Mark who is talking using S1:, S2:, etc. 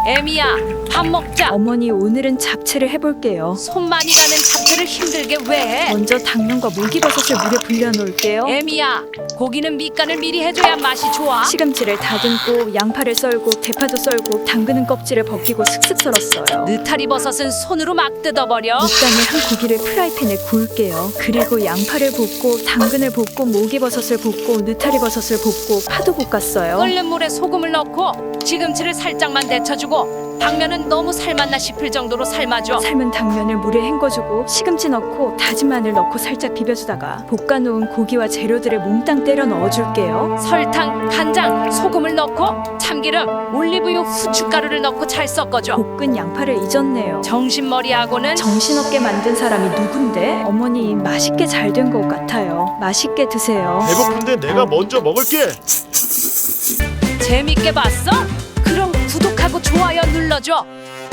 S1: 애미야, 밥 먹자.
S2: 어머니, 오늘은 잡채를 해볼게요.
S1: 손 많이 가는 잡채를 힘들게 왜 해?
S2: 먼저 당면과 물기버섯을 물에 불려놓을게요.
S1: 애미야, 고기는 밑간을 미리 해줘야 맛이 좋아.
S2: 시금치를 다듬고 양파를 썰고 대파도 썰고 당근은 껍질을 벗기고 슥슥 썰었어요.
S1: 느타리 버섯은 손으로 막 뜯어버려.
S2: 밑간에 한 고기를 프라이팬에 구울게요. 그리고 양파를 볶고 당근을 볶고 모기버섯을 볶고 느타리버섯을 볶고 파도 볶았어요.
S1: 끓는 물에 소금을 넣고 시금치를 살짝만 데쳐주고 당면은 너무 삶았나 싶을 정도로 삶아줘.
S2: 삶은 당면을 물에 헹궈주고 시금치 넣고 다진 마늘 넣고 살짝 비벼주다가 볶아놓은 고기와 재료들을 몽땅 때려 넣어줄게요.
S1: 설탕, 간장, 소금을 넣고 참기름, 올리브유, 후춧가루를 넣고 잘 섞어줘.
S2: 볶은 양파를 잊었네요.
S1: 정신머리하고는
S2: 정신없게 만든 사람이 누군데? 어머니, 맛있게 잘 된 것 같아요. 맛있게 드세요.
S3: 배고픈데 내가 먼저 먹을게.
S1: 재밌게 봤어? 그럼 구독하고 좋아요 눌러줘.